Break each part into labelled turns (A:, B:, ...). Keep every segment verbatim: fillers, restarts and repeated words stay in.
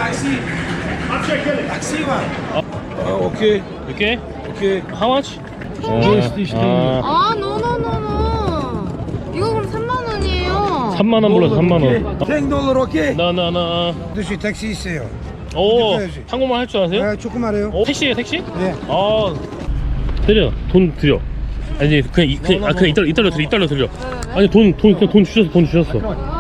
A: taxi. Taxi, man. Oh, okay.
B: Okay?
A: Okay.
B: How much?
A: 아,
C: 아, 노노노노. 이거 그럼 삼만 원이에요.
B: 삼만 원 불러서 삼만 원.
A: ten dollar, okay?
B: 나나나.
D: Dus je taxi 있어요.
B: 오, 한국말 할 줄 아세요?
D: 아, 조금 알아요.
B: 어, 택시예요, 택시?
D: 네.
B: 아, 드려. 돈 드려. 아니 그냥 이, 그냥, 아, 그냥 이달러 이달러 드려 이달러 드려. 아니 돈 돈 그냥 돈 주셨어 돈 주셨어.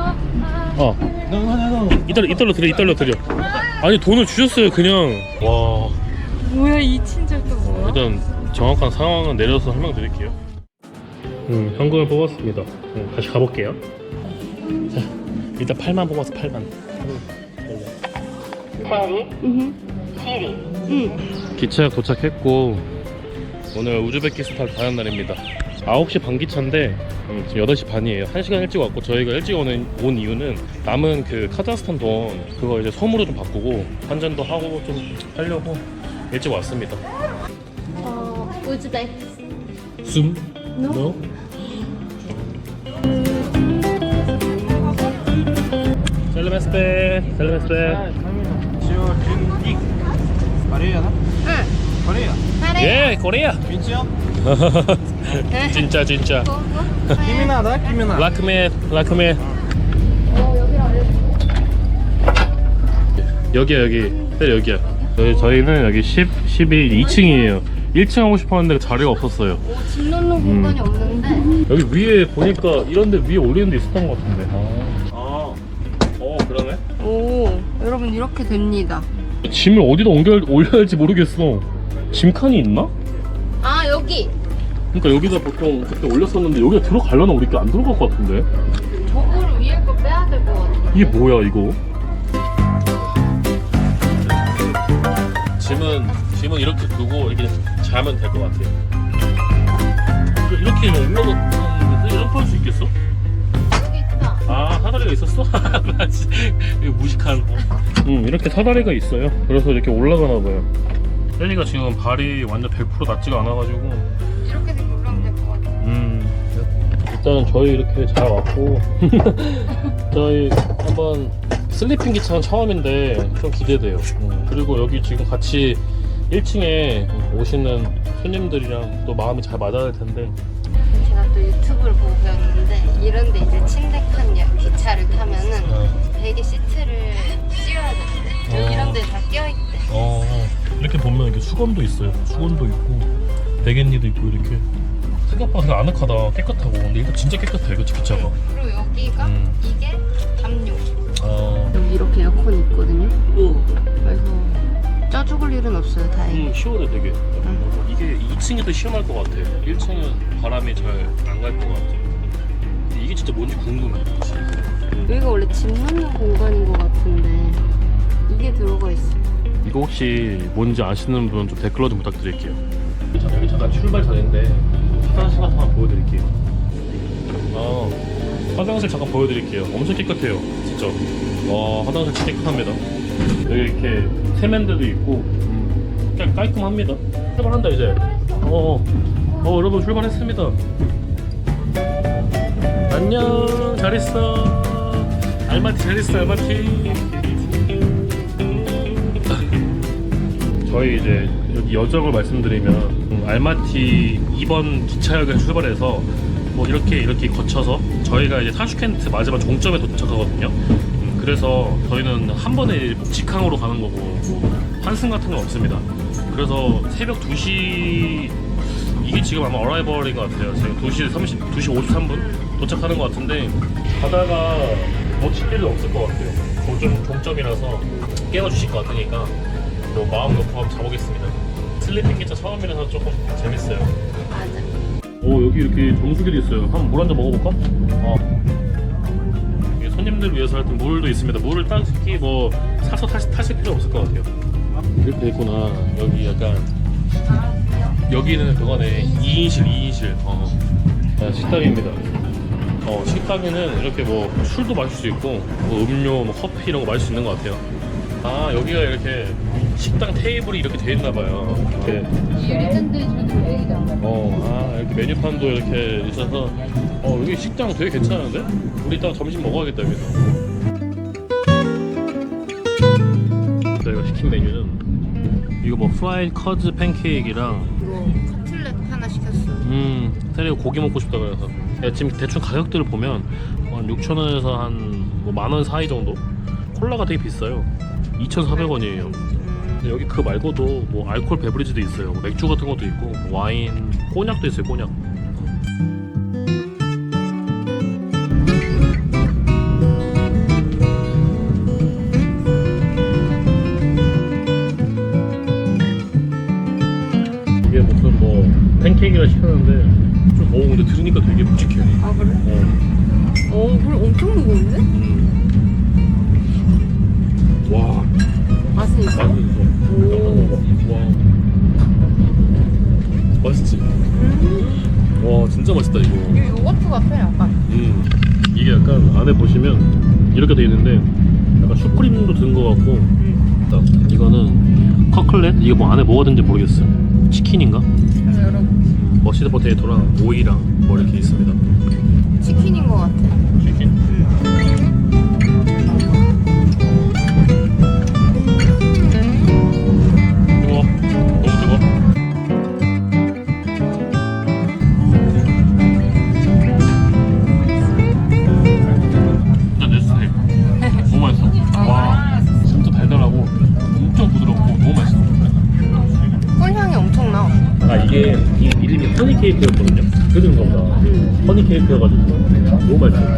B: 어. 이달러 이달러 드려 이달러 드려. 아니 돈을 주셨어요 그냥. 와.
C: 뭐야, 이 친절 또 뭐야?
B: 일단 정확한 상황은 내려서 설명드릴게요. 음, 현금을 뽑았습니다. 음, 다시 가볼게요. 자, 일단 팔만 뽑아서 팔만.
C: 응. 응.
B: 기차 도착했고 오늘 우즈베키스탄 가는 날입니다. 아홉 시 반 기차인데 음, 지금 여덟 시 반이에요. 한 시간 일찍 왔고 저희가 일찍 오는, 온 이유는 남은 그 카자흐스탄 돈 그거 이제 섬으로 좀 바꾸고 환전도 하고 좀 하려고 일찍 왔습니다.
C: 어, 우즈벡.
B: 숨?
C: No?
B: No? 셀레메스페 셀레메스페
A: Korea, no?
C: 응.
A: Korea.
C: 잘해.
B: 예 코리아
A: Pinchão.
B: 진짜 진짜
C: 뭐, 뭐?
A: Kiminada, Kiminada.
B: 라크메 라크메
C: 어, 여기로 알려줘.
B: 여기야 여기 네 여기야 저희, 저희는 여기 십, 십일, 이 층이에요 일 층 하고 싶었는데 자리가 없었어요.
C: 오, 짐 넣는 공간이 없는데.
B: 여기 위에 보니까 이런데 위에 올리는 데 있었던 것 같은데. 아, 아, 어 그러네.
C: 오, 여러분 이렇게 됩니다.
B: 짐을 어디다 옮겨 올려야 할지 모르겠어. 짐칸이 있나?
C: 아, 여기.
B: 그러니까 여기다 보통 그때 올렸었는데 여기가 들어가려나 우리 게 안 들어갈 것 같은데.
C: 저거를 위에 거 빼야 될 것 같아.
B: 이게 뭐야 이거? 짐은 짐은 이렇게 두고 이렇게 자면 될 것 같아요. 이거 이렇게 올라가는데 이렇게 할 수 있겠어?
C: 여기 있다.
B: 아 사다리가 있었어? 맞지. 이거 무식한. 음 이렇게 사다리가 있어요. 그래서 이렇게 올라가나 봐요. 셀리가 지금 발이 완전 백 퍼센트 낫지가 않아가지고.
C: 이렇게 되면 올라가면 될 것 같아.
B: 음 일단은 저희 이렇게 잘 왔고 저희 한번 슬리핑 기차는 처음인데 좀 기대돼요. 음, 그리고 여기 지금 같이 일 층에 오시는 손님들이랑 또 마음이 잘 맞아야 될 텐데.
C: 제가 또 유튜브를 보고 배웠는데 이런데 이제 침대 칸 야- 기차를 타면은
B: 어.
C: 베개 시트를 씌워야 된대. 여기
B: 어.
C: 이런 데 다 껴있대.
B: 어 이렇게 보면 이렇게 수건도 있어요. 수건도 있고 베갯니도 있고 이렇게 생각보다 되게 아늑하다. 깨끗하고. 근데 이거 진짜 깨끗해 그치 기차가.
C: 그리고 여기가
B: 음.
C: 이게 담요.
B: 아
C: 여기 이렇게 에어컨이 있거든요. 그래서 쪄 죽을 일은 없어요, 다행히.
B: 음, 시원해 되게. 이게 이 층이 더 시원할 것 같아. 일 층은 바람이 잘 안 갈 것 같아. 근데 이게 진짜 뭔지 궁금해.
C: 여기가 원래 짐 넣는 공간인 것 같은데 이게 들어가 있어.
B: 이거 혹시 뭔지 아시는 분 좀 댓글로 좀 부탁드릴게요. 자, 여기 잠깐 출발 전인데 화장실 같은 거 보여드릴게요. 아, 화장실 잠깐 보여드릴게요. 엄청 깨끗해요, 진짜. 와, 화장실 진짜 깨끗합니다. 여기 이렇게 세면대도 있고, 음, 그냥 깔끔합니다. 출발한다 이제. 어, 어, 여러분 출발했습니다. 안녕, 잘 있어. 알마티 잘 있어, 알마티. 저희 이제 여기 여정을 말씀드리면 음, 알마티 이 번 기차역에서 출발해서 뭐 이렇게 이렇게 거쳐서 저희가 이제 타슈켄트 마지막 종점에 도착하거든요. 음, 그래서 저희는 한 번에 직항으로 가는 거고 환승 같은 건 없습니다. 그래서 새벽 두 시 이게 지금 아마 어라이벌인 것 같아요. 지금 두 시 삼십, 두 시 오십삼 분 도착하는 것 같은데 가다가 놓칠 일은 없을 것 같아요. 종점, 종점이라서 깨워주실 것 같으니까 뭐 마음 놓고 한번 자보겠습니다. 슬리핑 기차 처음이라서 조금 재밌어요.
C: 맞아.
B: 오 여기 이렇게 정수기도 있어요. 한번 물 한 잔 먹어볼까? 어. 이게 손님들 위해서 하여튼 물도 있습니다. 물을 딱히 뭐 사서 타시, 타실 필요 없을 것 같아요. 이렇게 돼 있구나. 여기 약간 여기는 그거네. 이 인실 이 인실. 어. 아, 식당입니다. 어, 식당에는 이렇게 뭐 술도 마실 수 있고 뭐 음료, 뭐 커피 이런 거 마실 수 있는 것 같아요. 아 여기가 이렇게 식당 테이블이 이렇게 돼 있나 봐요. 이렇게.
C: 유리잔들이 저도 여기다.
B: 어, 아 이렇게 메뉴판도 이렇게 있어서 어 여기 식당 되게 괜찮은데? 우리 이따 점심 먹어야겠다 여기서. 저희가 시킨 메뉴는 이거 뭐 프라이드 커즈 팬케이크랑
C: 이거 커틀렛 하나 시켰어.
B: 음 테리가 고기 먹고 싶다 그래서 야, 지금 대충 가격들을 보면 한 육천 원에서 한 뭐 만 원 사이 정도? 콜라가 되게 비싸요. 이천사백 원이에요.
C: 음.
B: 여기 그 말고도 뭐 알코올 베브리지도 있어요. 뭐 맥주 같은 것도 있고 와인, 꼬냑도 있어요. 꼬냑. 이게 무슨 뭐 팬케이크를 시켰는데 좀 오 근데 들으니까 되게 묵직해.
C: 아 그래?
B: 어.
C: 어 그래 엄청 무거운데?
B: 음. 와.
C: 맛은 있어?
B: 맛은 있어. 와. 맛있지?
C: 음.
B: 와 진짜 맛있다 이거.
C: 이거 요거트 같아 약간.
B: 음. 이게 약간 안에 보시면 이렇게 돼 있는데 약간 슈크림도 든 거 같고.
C: 음.
B: 딱 이거는 커클렛? 이게 뭐 안에 뭐가 든지 모르겠어요. 치킨인가?
C: 그래서 여러분
B: 머시드 포테이토랑 오이랑 뭐 이렇게 있습니다.
C: 치킨인 것 같아.
B: 치킨?
C: 음.
B: 뜨거워. 너무 뜨거워. 진짜 내 스타일. 너무 맛있어. 와, 진짜 달달하고 엄청 부드럽고 너무 맛있어.
C: 꿀향이 엄청 나.
B: 아 이게 이 이름이 허니 케이크였거든요. 그런 거보다
C: 음.
B: 허니 케이크여가지고 너무 맛있어.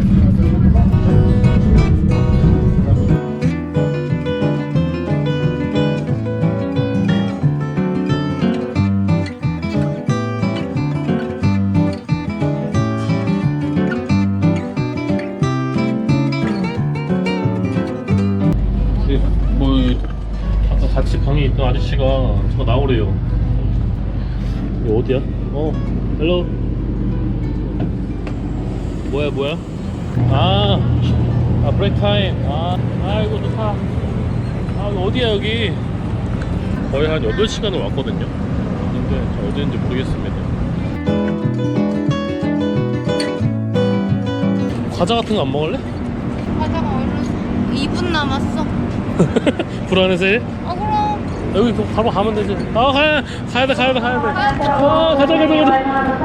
B: 뭐 아까 같이 방에 있던 아저씨가 저 나오래요. 이거 어디야? 어, 헬로. 뭐야 뭐야? 아, 아 브레이크 타임. 아, 아이고 좋다. 아 어디야 여기? 거의 한 여덟 시간을 왔거든요. 근데 어디인지 모르겠습니다. 과자 같은 거 안 먹을래?
C: 과자가 얼른 이 분 남았어.
B: 불안해서 해?
C: 아 그럼.
B: 여기 그 바로 가면 되지. 아 가야 가야 돼 가야 돼 가야 돼. 아 가자 가자 가자.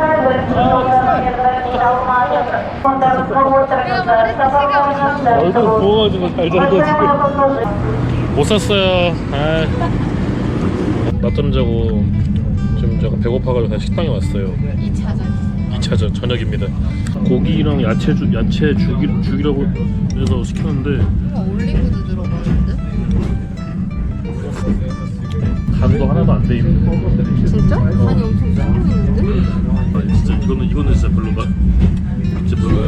C: 내가 말했지 시간 없다고.
B: 얼굴 부어가지고 잘 자고 지금. 못 샀어요. 아. 낮잠 자고 지금 제가 배고파가지고 다시 식당에 왔어요.
C: 이 차전.
B: 이 차전 저녁입니다. 고기랑 야채 주 야채 죽이 죽이라고 해서 시켰는데
C: 올리브도 들어가는데?
B: 간도 하나도 안 돼 있는.
C: 진짜? 간이 엄청 세 보이는데?
B: 아니 진짜 이거는 이거는 진짜 별로인가? 진짜 별로야.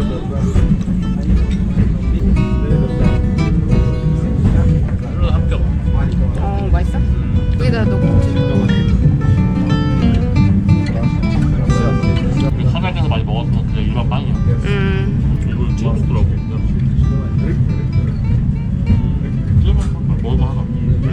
B: 별로 합격.
C: 어 맛있어? 여기다 넣고.
B: 사장에서 많이 먹었으면 그냥 일반 빵이야.
C: 음.
B: 이건 진짜 맛있더라고. 먹어봐 하나.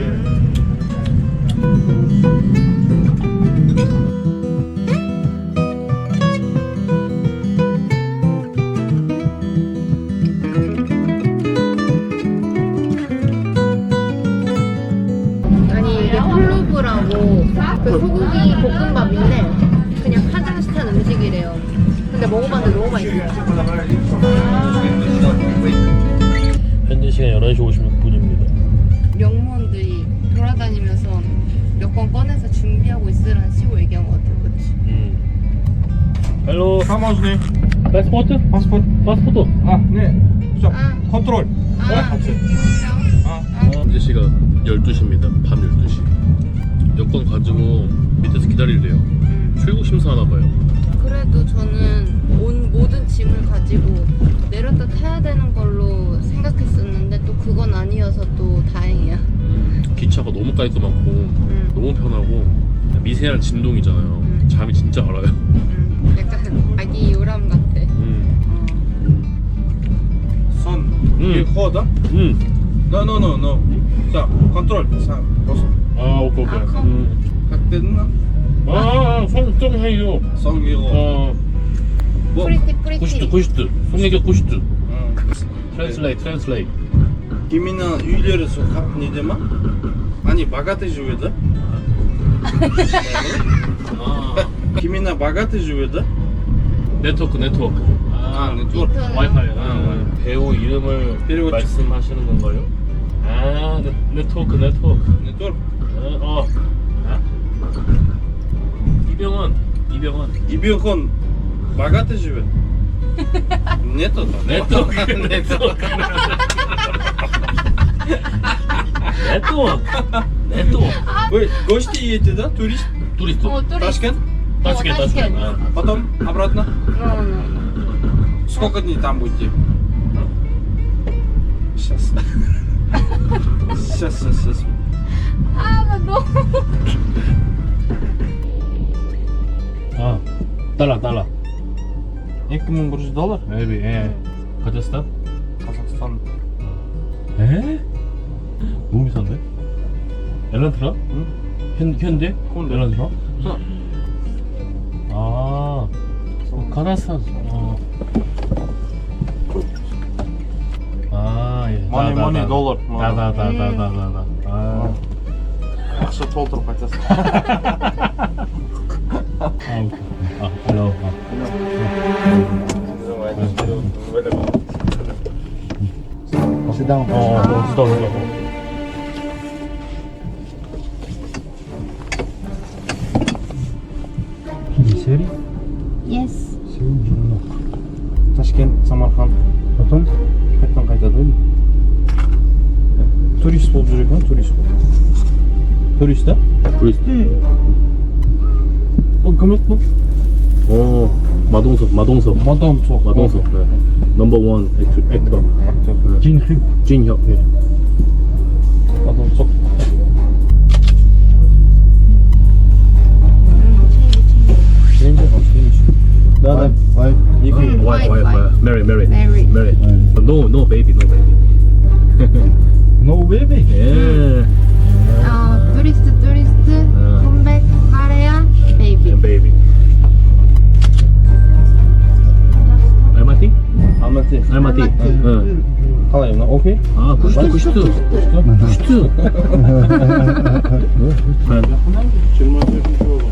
C: 아니 이게 홀로브라고 그 소고기 볶음밥인데 그냥 카자흐스탄 음식이래요. 근데 먹어봤는데 너무 맛있어요.
B: 현재 시간 열한 시 오십육 분입니다.
C: 영무원들이 돌아다니면서 여권 꺼내서 준비하고 있으라는 식으로 얘기한 것 같아. 그치?
B: 음. 헬로.
A: Хамазный.
B: 파스포트?
A: Паспорт.
B: 파스포트.
A: А, не. Все.
C: А.
A: Контроль.
C: 아,
A: Давай, 같이.
C: 아.
B: 현재 시간 열두 시입니다. 밤 열두 시. 여권 가지고 밑에서 기다리래요.
C: 음.
B: 출국 심사하나 봐요.
C: 그래도 저는 온 모든 짐을 가지고 내렸다 타야 되는 걸로 생각했었는데 또 그건 아니어서 또 다행이야.
B: 음, 기차가 너무 깔끔하고
C: 음.
B: 너무 편하고 미세한 진동이잖아요.
C: 음.
B: 잠이 진짜 알아요.
C: 음. 약간 아기 요람 같아.
B: 음.
C: 어.
A: Сон.
B: М.
A: Перехода.
B: 음.
A: Да, no, no, no. Все. Контроль. Сам. Просто.
B: 아 오케이 오케이.
C: 아, 컴.
B: 음.
A: Как ты на?
B: 아, 손좀 해요.
A: Сон его.
B: 어,
A: Вот.
C: 프리티
B: 구시트,
C: 프리티.
B: 구시트. 손얘기 구시트.
A: М.
B: 트랜슬레이, 트랜슬레이.
A: Именно үйлері сол қап неде ма? Они богатые живут, да?
B: 아,
A: Именно богатые живут, да?
B: 네트워크 네트워크.
A: А, нетворк.
B: 와이파이. 아,
A: 아,
B: 배우 이름을
A: переводчик.
B: 말씀하시는 건가요? 아, 네, 네트워크 네트워크.
A: Нетворк.
B: 어. 어. 아? 이병헌 이병헌.
A: Ибихон богатый живет? Нету там.
B: 네트워크 네트워크. 네트워크 네트워크.
A: Вы гости едете, да? Турист?
B: турист.
C: 어, турист.
A: Ташкент?
B: 따스게 따스게.
C: Ташкент.
B: 아.
A: Потом обратно?
C: No, no, no.
A: Сколько дней там будете? Сейчас. Сейчас, сейчас, сейчас.
C: 아, 나 너무.
B: 아, 달러 달러.
A: екі мың бір жүз доллар?
B: maybe. 예. 카자흐스탄?
A: Қазақстан.
B: 에? 너무 비싼데? 엘란트라?
A: 응?
B: 현 현대?
A: 현대.
B: 엘란트라?
A: 어.
B: 아, 어, 카자흐스탄. 어. 아, 예.
A: Money, money, dollar.
B: 다다다다다다다. 아,
A: Ақша толтырып қайтасың.
B: 아, 오케이. 아, hello. 아.
D: Sit down.
B: 어, 어, 수다 수다.
D: Сери?
C: Yes.
A: Ташкент, Самарқан.
D: Потом?
A: Қайтадан қайтады. Турист болып жүрек ма? Турист болып. Турист, да?
B: ту리ст.
A: Бұл кім еді бұл?
B: 어, 마동석, 마동석.
A: Мадонцов.
B: 마동석. 네. 넘버 원 액터. 액터.
D: Джинхи.
B: 진혁. 예.
A: Мадонцов.
C: 음,
A: Да, да.
D: Вай.
A: екі
C: 음,
B: 와이, 와이,
C: 와이.
B: 와이. Mary, Mary.
C: Mary.
B: Mary. No, no baby, no baby.
D: No baby.
B: 예.
C: 어, тури스트, ту리스트, 컴백, 하래야, 베이비.
B: baby. 알마티?
A: Алматы.
B: 알마티. 응.
A: қалай мына окей?
B: 아, 쿠슈트, 쿠슈트. 쿠슈트.
A: жиырма төртінші жолы.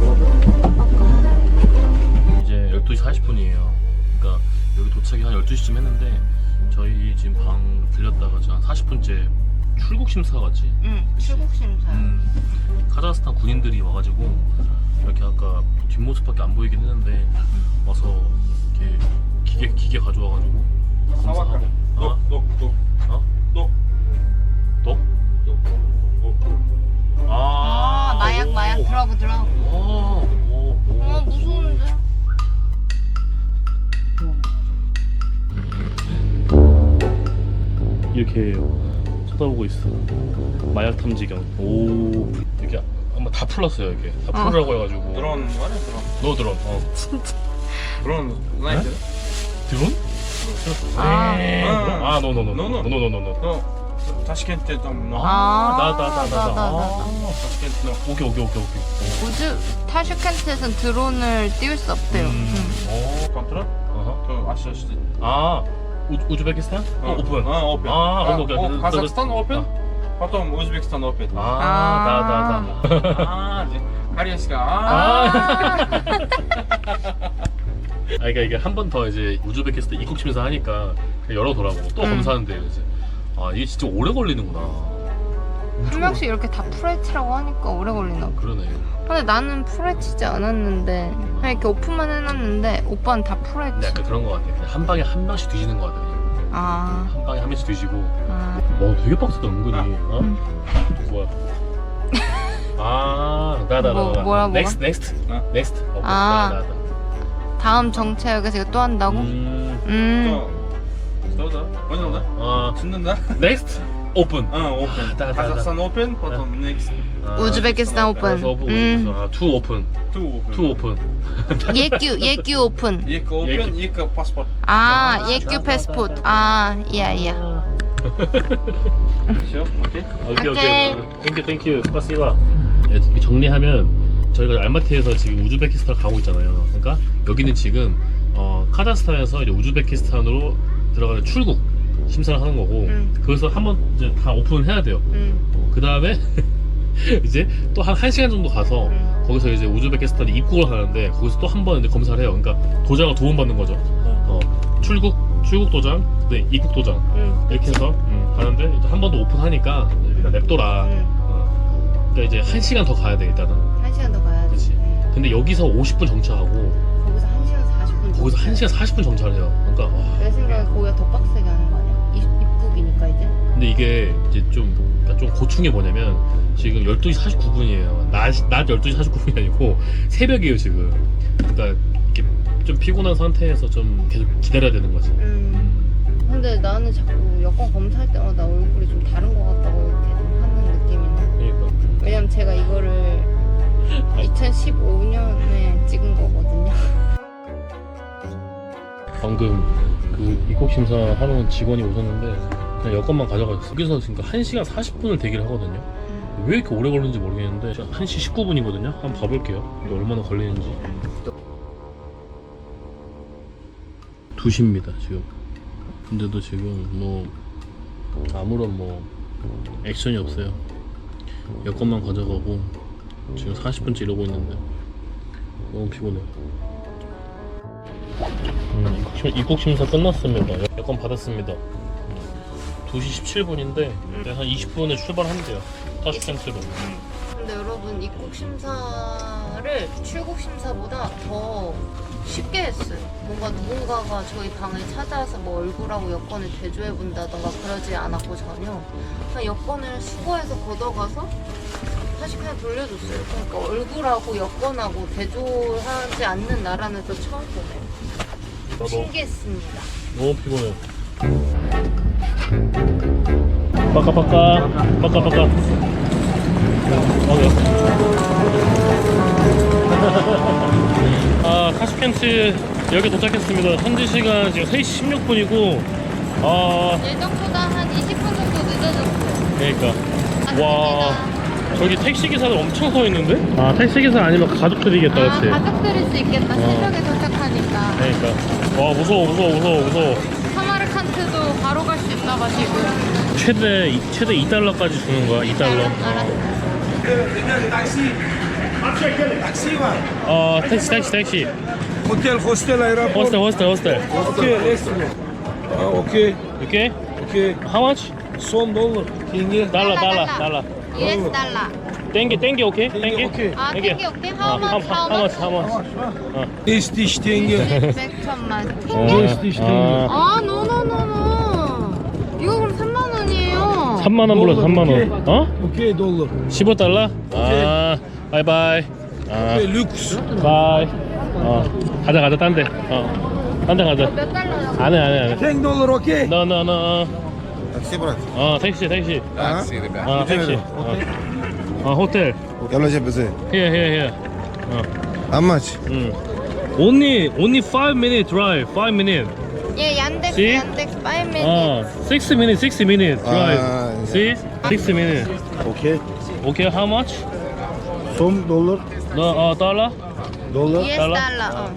B: 이제 열두 시 사십 분이에요. 그러니까 여기 도착이 한 열두 시쯤 했는데 저희 지금 방 들렸다가 지금 한 사십 분째 출국 심사 같지?
C: 응, 출국 심사.
B: 음, 카자흐스탄 군인들이 와가지고 이렇게 아까 뒷모습밖에 안 보이긴 했는데 와서 이렇게 기계 기계 가져와가지고 검사하고. 어?
A: 독, 독,
B: 어?
A: 독,
B: 또?
A: 독.
C: 아, 마약, 마약, 드러브, 드러브.
B: 오, 오, 오.
C: 어, 무서운데?
B: 이렇게 쳐다보고 있어. 마약 탐지견. 오, 이렇게 아마 다 풀었어요. 이게 다
C: 어.
B: 풀으라고 해가지고.
A: 드론 말이야, 드론.
B: 너 드론. 어.
A: 드론, знаете?
B: 드론?
C: 아.
B: 네.
A: 아.
B: 아, 노노노노.
A: 노노.
B: 노노노노.
A: 너 타시켄트에 там 너
B: 아, 나, 나, 나, 나,
C: 나,
B: 나.
C: 나, 나.
B: 아,
A: 타시켄트 너
B: 오케이, 오케이, 오케이, 오케이.
C: 우주, 타슈켄트에선 드론을 띄울 수 없대요.
B: 음.
C: 응.
B: 오,
A: контракт
B: 어허.
A: то 아시아시티.
B: 아, 우, 우즈베키스탄? 어, 오픈.
A: 아, 오픈.
B: 아, 오케이, 오케이.
A: 어,
B: 그-
A: Казахстан
B: 그-
A: 오픈.
B: 아.
A: потом Узбекистан 오픈.
B: 아,
C: 아.
B: 나, 나, 나, 나.
A: 아, 이제 코리아시가 아.
B: 아. 아, 그러니까 이게 한 번 더 이제 우즈베키스탄 입국 심사 하니까 그냥 열어두라고 또
C: 음.
B: 검사하는데 이제 아 이게 진짜 오래 걸리는구나.
C: 한 명씩 이렇게 다 풀헤치라고 하니까 오래 걸리나 봐.
B: 그러네.
C: 근데 나는 풀헤치지 않았는데 그냥 이렇게 오픈만 해놨는데 오빠는 다
B: 근데
C: 풀헤치.
B: 약간 그런 거 같아. 그냥 한 방에 한 명씩 뒤지는 거 같아. 그냥.
C: 아,
B: 한 방에 한 명씩 뒤지고.
C: 아.
B: 와 되게 빡세다 은근히. 어?
C: 음.
B: 뭐야? 아, 나, 나, 나,
C: 뭐,
B: 나.
C: 뭐야, 뭐가?
B: 넥스트, 넥스트,
A: 어?
B: 넥스트. 어,
C: 아.
B: 나, 나, 나.
C: 다음 정체역에서 이거 또 한다고? 음.
B: 음,
A: 또 что да? Понял, да?
B: 어,
A: түсіндің, да?
B: 넥스트, 오픈.
A: А, open.
B: Да, да, да.
A: Казахстан open, потом next
B: 아,
C: 우즈베키스탄 오픈.
B: 그래서 오픈,
C: 음.
B: 아, 투 오픈,
A: two open.
B: 투 오픈.
C: 예규, 예규 오픈.
A: екі open, екі паспорт.
C: 아, 예규 패스포트. 아, 이야, 이야.
A: Все, окей?
B: 오케이
C: 오케이.
B: 오케이. 땡큐 땡큐. 스파시바. 예, 정리하면 저희가 알마티에서 지금 우즈베키스탄 가고 있잖아요. 그러니까 여기는 지금 어, 카자흐스탄에서 이제 우즈베키스탄으로 들어가는 출국 심사를 하는 거고
C: 응.
B: 그래서 한번 이제 다 오픈을 해야 돼요.
C: 응.
B: 어, 그 다음에 이제 또 한 한 시간 정도 가서
C: 응.
B: 거기서 이제 우즈베키스탄에 입국을 하는데 거기서 또 한 번 이제 검사를 해요. 그러니까 도장을 도움받는 거죠. 어, 출국 출국 도장, 네 입국 도장
C: 응.
B: 이렇게 해서 음, 가는데 이제 한 번 더 오픈하니까 일단 냅둬라.
C: 응.
B: 어, 그러니까 이제 한 시간 더 가야 돼 일단은.
C: 한 시간 더 가야 돼.
B: 그렇지.
C: 응.
B: 근데 여기서 오십 분 정차하고
C: 거기서 한 시간 사십 분.
B: 거기서 한 시간 사십 분 정차를 해요. 그러니까 와.
C: 내 생각에 거기가 더 빡세게 하는 거 아니야? 입, 입국이니까 이제.
B: 근데 이게 이제 좀, 그러니까 좀 고충이 뭐냐면 지금 열두 시 사십구 분이에요. 낮, 낮 열두 시 사십구 분이 아니고 새벽이에요 지금. 그러니까 이렇게 좀 피곤한 상태에서 좀 계속 기다려야 되는 거지.
C: 음. 근데 나는 자꾸 여권 검사할 때마다 얼굴이 좀 다른 것 같다고 계속 하는 느낌이네.
B: 그러니까.
C: 왜냐면 제가 이거를 이천십오 년에 찍은 거거든요.
B: 방금 그 입국 심사 하는 직원이 오셨는데 그냥 여권만 가져가셨어. 여기서 그러니까 한 시간 사십 분을 대기를 하거든요. 왜 이렇게 오래 걸리는지 모르겠는데 한 시 십구 분이거든요. 한번 봐볼게요. 이게 얼마나 걸리는지. 두 시입니다 지금. 근데도 지금 뭐 아무런 뭐 액션이 없어요. 여권만 가져가고 지금 사십 분째 이러고 있는데 너무 피곤해요. 음, 입국, 심, 입국 심사 끝났습니다. 여권 받았습니다. 두 시 십칠 분인데 한 이십 분에 출발한대요. 타슈켄트로.
C: 근데 여러분 입국 심사를 출국 심사보다 더 쉽게 했어요. 뭔가 누군가가 저희 방을 찾아와서 뭐 얼굴하고 여권을 대조해 본다던가 그러지 않았고 전혀 그냥 여권을 수거해서 걷어가서 다시 그냥 돌려줬어요. 그러니까 얼굴하고 여권하고 대조하지 않는 나라는 또 처음 보네요.
B: 너무,
C: 신기했습니다.
B: 너무 피곤해. 빠까빠까 빠까빠까. 어디요? 아 타슈켄트 여기 도착했습니다. 현지 시간 지금 세 시 십육 분이고 아
C: 예정보다 한 이십 분 정도 늦어졌어요.
B: 그러니까 와 저기 택시 기사들 엄청 서 있는데? 아 택시 기사 아니면 가족들이겠다,
C: 아,
B: 그렇지?
C: 가족들일 수 있겠다.
B: 어.
C: 새벽에 도착하니까.
B: 그러니까 와 무서워 무서워 무서워 무서워.
C: 사마르칸트도 바로 갈 수 있나 봐 지금.
B: 최대 이- 최대 이 달러까지 주는 거야. 이 달러.
C: 알았어.
B: 어 택시 택시 택시.
A: Hotel, hostel, aeroport.
B: 호스텔 호스텔 호스텔.
A: Okay, let's go. Ah, okay,
B: 오케이?
A: okay.
B: How much?
A: Son dollar. Tenge.
B: 달러 달러 달러.
C: 유에스 달러.
B: 땡기 땡기 오케이? 땡기
A: 오케이.
C: 아,
B: 땡기.
C: 땡기 오케이.
B: 어,
C: How much?
B: how
C: How
B: much?
C: much?
B: How much? 어.
A: Estiş tenge.
C: 백천만.
B: 어,
C: 땡기?
A: işte.
B: 아,
C: 아, 노노노노. 이거 그럼 삼만 원이에요.
B: 삼만 원 불러서 삼만
A: 오케이.
B: 원. 어?
A: Okay, dollar.
B: 십오 달러? 아, 바이바이. 아,
A: Okay, lüks.
B: 바이. 어, 가자 가자 딴 데. 어, 딴 데 가자.
C: 몇 달러라고?
B: 안해 안해 안해.
A: ten dollar, okay?
B: No no no.
E: Такси, брат.
B: 어, 택시 택시.
E: Такси, ребят.
B: 어, 택시. 어, 어 호텔.
E: Yalla bize.
B: Here here here. 어,
E: How much?
B: 음. Only only five minute drive. five minute.
C: 예, 얀덱스,
B: See?
C: 얀덱스, five minutes.
B: 어, six minute, six minute drive.
E: 아,
B: See? six minute.
D: Okay.
B: Okay, how much?
D: Some dollar.
B: No, 어, dollar?
D: Dollar.
C: 유에스
B: 달러?
C: 달러. 어.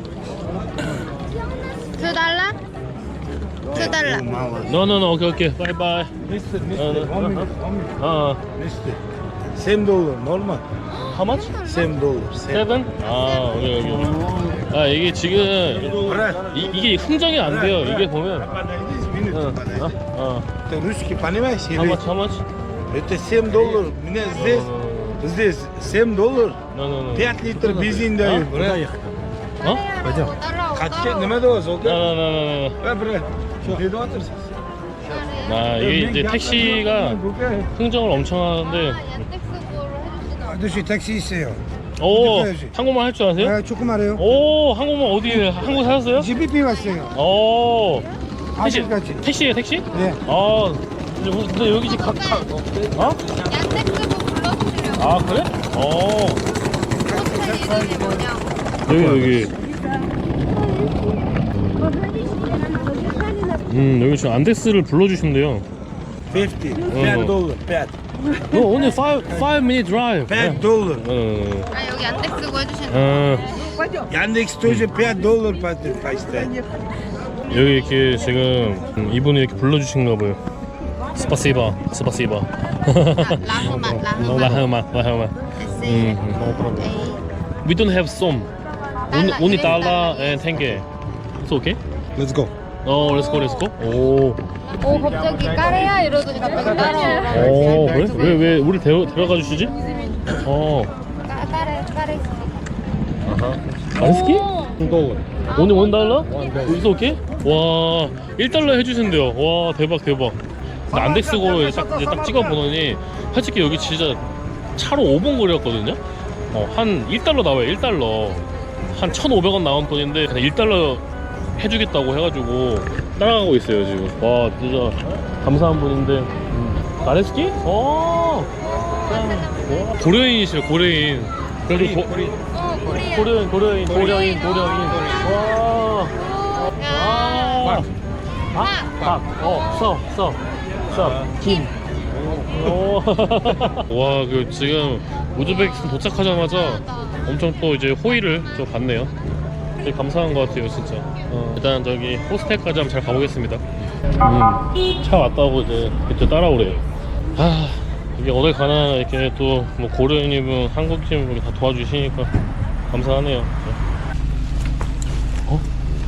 C: two 달러? two 달러.
B: No, no, no. Okay, okay. Bye, bye.
D: Mister,
B: No,
D: mister.
B: no.
D: One minute, one minute.
B: 어,
D: Mister. Same dollar, normal.
B: how much?
D: Same dollar. Same.
B: Seven? 아, 여기 여기. 아, 이게 지금 이, 이게 흥정이 안 돼요. 이게 보면.
D: Minute.
B: 어, 어, 어.
D: Это русский, понимаешь?
B: How much? How much?
D: Это семь долларов. У меня здесь, здесь семь долларов.
B: No, no, no.
D: пять литров бензин дают.
B: 어?
D: Пойдем.
C: 따라오,
D: Kaç
C: 따라오.
D: ne kadar olsa?
B: No, no, no, no, no.
D: Ver bre. Ne de otursun?
B: 아, 이게 이제 택시가 흥정을 엄청 하는데.
C: 아, 얀덱스고로 해주시나?
F: Düşü taksi istiyor.
B: 오, 한국말 할 줄 아세요?
F: Ha, çok arıyor.
B: 오, 한국말 어디 한국 사셨어요?
F: Cibi pivasıyor.
B: 오, 택시,
F: Açık açık.
B: 택시예요, 택시?
F: 네.
B: 아, 근데, 우리- 근데 여기 지금 각, 각, 어?
C: 얀덱스고 불러주시려고.
B: 아, 그래? 어,
C: 호텔 이름이 뭐냐고.
B: 여기, 여기. 음, 여기 지금 안데스를 불러주신대요.
D: fifty.
B: 어.
D: пять долларов. пять.
B: No, only five, five minute drive.
D: пять долларов.
B: 어,
C: 아, 여기 얀덱스고 해주시는
B: 어,
D: Яндекс тоже пять долларов поставит.
B: 여기 이렇게 지금 음, 이분이 이렇게 불러주신가 봐요. 스파시바, 스파시바.
C: 라흐맛, 라흐맛.
B: 라흐마, 라흐마. 음, We don't have some. Only, only dollar and tenge. It's okay?
E: Let's go.
B: 어, let's go, let's go. 오,
C: 오 갑자기 까레야 이러더니 갑자기 까레.
B: 오, 그래? 왜, 왜 우리 데려, 데려가 주시지? 어,
C: 까- 까레 까레.
B: 안스키?
E: one dollar.
B: 오늘 원 달러? It's okay? 와, 일 달러 해주신대요. 와, 대박, 대박. 근데 안덱스고로 이제 딱, 이제 딱 찍어보더니 솔직히 여기 진짜 차로 오 분 거리였거든요? 어, 한 일 달러 나와요, 일 달러. 한 천오백 원 나온 돈인데 그냥 일 달러 해주겠다고 해가지고 따라가고 있어요, 지금. 와, 진짜 감사한 분인데. 음. 나레스키? 어, 와, 고려인이시래, 고려인. 그래도 고,
C: 어 코리아.
B: 고려인, 고려인, 고려인, 고려인. 와. 아. 박, 박, 어, 서, 서, 서, 김. 오. 와, 그 지금 우즈베키스탄 도착하자마자 엄청 또 이제 호의를 좀 받네요. 되게 감사한 것 같아요, 진짜. 어, 일단 저기 호스텔까지 한번 잘 가보겠습니다. 음, 차 왔다고 이제 이제 따라오래요. 아, 이게 어딜 가나 이렇게 또 뭐 고려인이분, 한국인 다 도와주시니까 감사하네요. 어?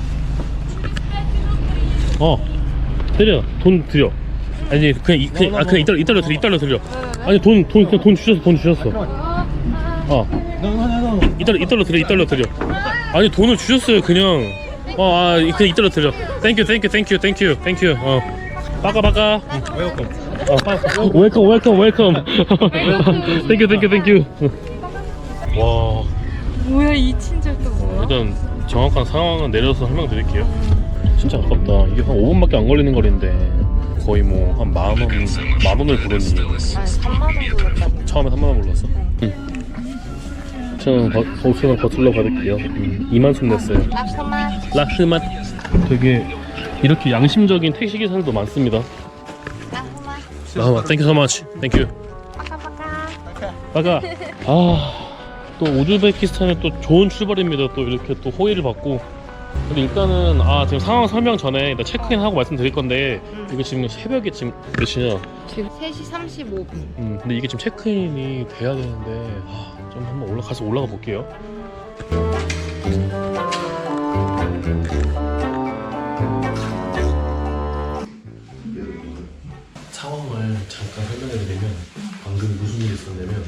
B: 어, 드려, 돈 드려. 아니 그냥 이, 그냥, 아, 그냥 이달러 이달러 드려, 이달러 드려. 아니 돈 돈 그냥 돈 주셨어, 돈 주셨어. 어, 이달러 이달러 드려, 이달러 드려. 아니 돈을 주셨어요, 그냥. 어, 아, 그냥 이달러 드려. 땡큐, 땡큐, 땡큐, 땡큐, 땡큐. 어, 빠까 빠까. 웰컴. 어, 웰컴, 웰컴, 웰컴. 땡큐, 땡큐, 땡큐. 와.
C: 뭐야 이 친절 또
B: 어,
C: 뭐야?
B: 일단 정확한 상황은 내려서 설명드릴게요. 진짜 아깝다. 이게 한 오 분밖에 안 걸리는 거리인데 거의 뭐 한 만 원, 만 원을 부르니
C: 아니 삼만 원 불렀다고.
B: 처음에 삼만 원 불렀어. 응. 저는 오천 원 거슬러 받을게요. 음, 이만 원 냈어요.
C: 라흐맛.
B: 라흐맛. 되게 이렇게 양심적인 택시 기사들도 많습니다.
C: 라흐맛.
B: 라흐맛. 땡큐 so much. 땡큐.
C: 빠까빠까.
B: 빠가. 아, 또 우즈베키스탄에 또 좋은 출발입니다. 또 이렇게 또 호의를 받고. 근데 일단은 아 지금 상황 설명 전에 일단 체크인하고 말씀드릴 건데 이거 지금 새벽에 지금 몇 시냐?
C: 지금 세 시 삼십오 분.
B: 음 근데 이게 지금 체크인이 돼야 되는데 아, 좀 한번 올라가서 올라가 볼게요. 상황을 잠깐 설명해드리면 방금 무슨 일이 있었냐면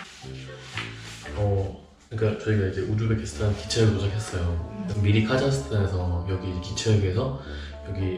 B: 어 그러니까 저희가 이제 우즈베키스탄 기차역에 도착했어요. 미리 카자흐스탄에서 여기 기차역에서 여기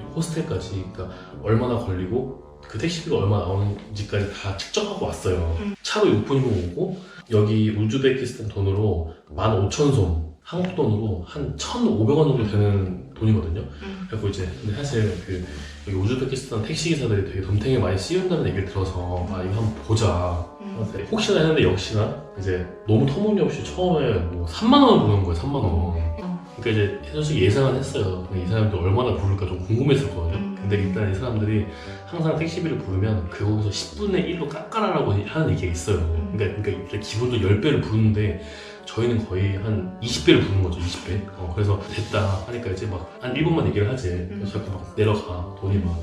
B: 호스텔까지 그러니까 얼마나 걸리고 그 택시비가 얼마 나오는지까지 다 측정하고 왔어요. 차로 육 분이면 오고 여기 우즈베키스탄 돈으로 만 오천 솜, 한국 돈으로 한 천오백 원 정도 되는 돈이거든요. 그리고 이제 근데 사실 그 여기 우즈베키스탄 택시 기사들이 되게 덤탱이 많이 씌운다는 얘기를 들어서 아 이거 한번 보자. 혹시나 했는데 역시나 이제 너무 터무니없이 처음에 뭐 삼만 원을 부르는 거예요. 삼만 원. 그러니까 이제 솔직히 예상은 했어요. 이 사람들 얼마나 부를까 좀 궁금했었거든요. 근데 일단 이 사람들이 항상 택시비를 부르면 그거에서 십분의 일로 깎아라라고 하는 얘기가 있어요. 그러니까, 그러니까 기본적으로 십 배를 부르는데 저희는 거의 한 이십 배를 부른 거죠. 이십 배. 어, 그래서 됐다 하니까 이제 막 한 일 분만 얘기를 하지. 그래서 자꾸 막 내려가 돈이 막.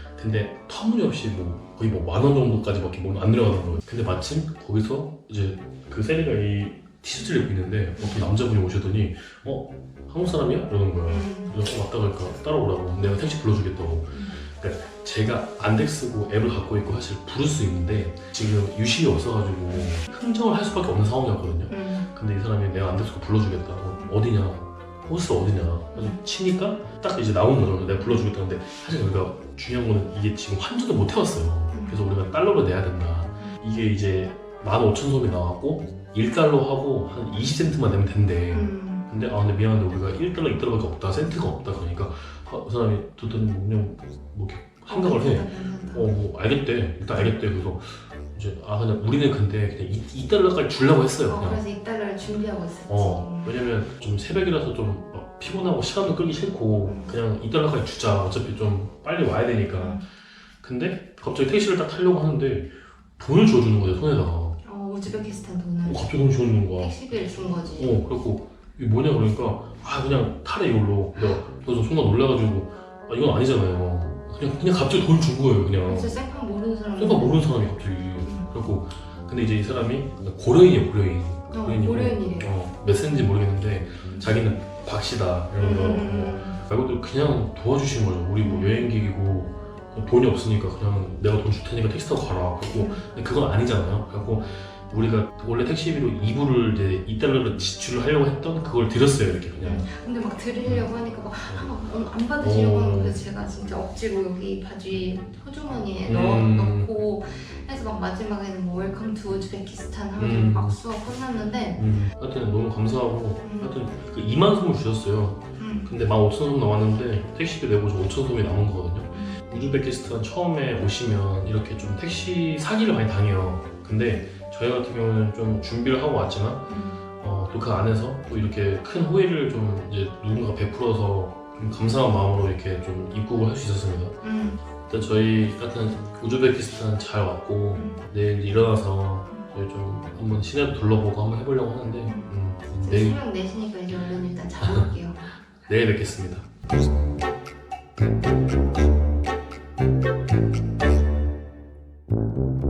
B: 근데 터무니없이 뭐 거의 뭐 만 원 정도까지밖에 뭐 안 내려가는 거예요. 근데 마침 거기서 이제 그 세리가 이 티셔츠를 입고 있는데 어떤 남자분이 오시더니 어? 한국 사람이야? 이러는 거야. 그래서 왔다 가니까 따라오라고. 내가 택시 불러주겠다고. 그러니까 제가 안덱스고 앱을 갖고 있고 사실 부를 수 있는데 지금 유식이 없어가지고 흥정을 할 수밖에 없는 상황이었거든요. 근데 이 사람이 내가 안덱스고 불러주겠다고. 어디냐? 호스 어디냐? 그래서 치니까 딱 이제 나온 거죠. 내가 불러주겠다는데 사실 우리가 중요한 거는 이게 지금 환전을 못 해왔어요. 그래서 우리가 달러로 내야 된다. 이게 이제 만 오천 솜이 나왔고 일 달러 하고 한 이십 센트만 내면 된대. 근데 아 근데 미안한데 우리가 일 달러, 이 달러밖에 없다. 센트가 없다. 그러니까 아, 그 사람이 듣더니 뭐 그냥 뭐 이렇게 생각을 해. 어 뭐 알겠대. 일단 알겠대. 그래서 이제 아 그냥 우리는 근데 그냥 이, 이 달러까지 주려고 했어요.
C: 어,
B: 그냥.
C: 그래서 이 달러를 준비하고 있었지.
B: 어 왜냐면 좀 새벽이라서 좀 막 피곤하고 시간도 끌기 싫고 그냥 이 달러까지 주자. 어차피 좀 빨리 와야 되니까. 근데 갑자기 택시를 딱 타려고 하는데 돈을 줘주는 거예요 손에다가.
C: 어, 우즈베키스탄 돈을.
B: 어, 갑자기 돈 줘주는 거야.
C: 택시비를 준 거지.
B: 어 그래갖고 이게 뭐냐 그러니까 아 그냥 타래 이걸로. 내가 그래서 순간 놀라가지고 아 이건 아니잖아요. 그냥 그냥 갑자기 돈 준 거예요 그냥.
C: 진짜 생판 모르는 사람.
B: 생각 모르는 사람이 갑자기. 그래갖고 근데 이제 이 사람이 고려인이에요 고려인. 고려인이고,
C: 고려인이래요.
B: 어, 몇 세인지 모르겠는데 자기는 박씨다 이러면서
C: 음.
B: 말고도 그냥 도와주신 거죠. 우리 뭐 여행객이고 돈이 없으니까 그냥 내가 돈 줄 테니까 택시 타고 가라. 그리고 근데 그건 아니잖아요. 그래갖고 우리가 원래 택시비로 이 불을 이제 이 달러를 지출을 하려고 했던 그걸 드렸어요 이렇게 그냥.
C: 근데 막 드리려고 하니까 막 안 받으시려고
B: 어.
C: 하는 거예요. 제가 진짜 억지로 여기 바지 호주머니에
B: 음.
C: 넣어, 넣고 해서 막 마지막에는 뭐 웰컴 투 우즈베키스탄 하면서
B: 음.
C: 막 수업 끝났는데
B: 음. 하여튼 너무 감사하고
C: 음.
B: 하여튼 그 이만 솜을 주셨어요.
C: 음.
B: 근데 만 오천 솜 남았는데 택시비 내고 저 오천 솜이 남은 거거든요. 우즈베키스탄 처음에 오시면 이렇게 좀 택시 사기를 많이 당해요. 근데 저희 같은 경우는 좀 준비를 하고 왔지만 어, 또 그 안에서 또 이렇게 큰 호의를 좀 이제 누군가 베풀어서 좀 감사한 마음으로 이렇게 좀 입국을 할 수 있었습니다.
C: 음.
B: 일단 저희 같은 우즈베키스탄 잘 왔고 내일 이제 일어나서 저희 좀 한번 시내도 둘러보고 한번 해보려고 하는데 음, 내일,
C: 수명 내시니까 이제 얼른 일단 자볼게요.
B: 내일 뵙겠습니다.
E: Thank you.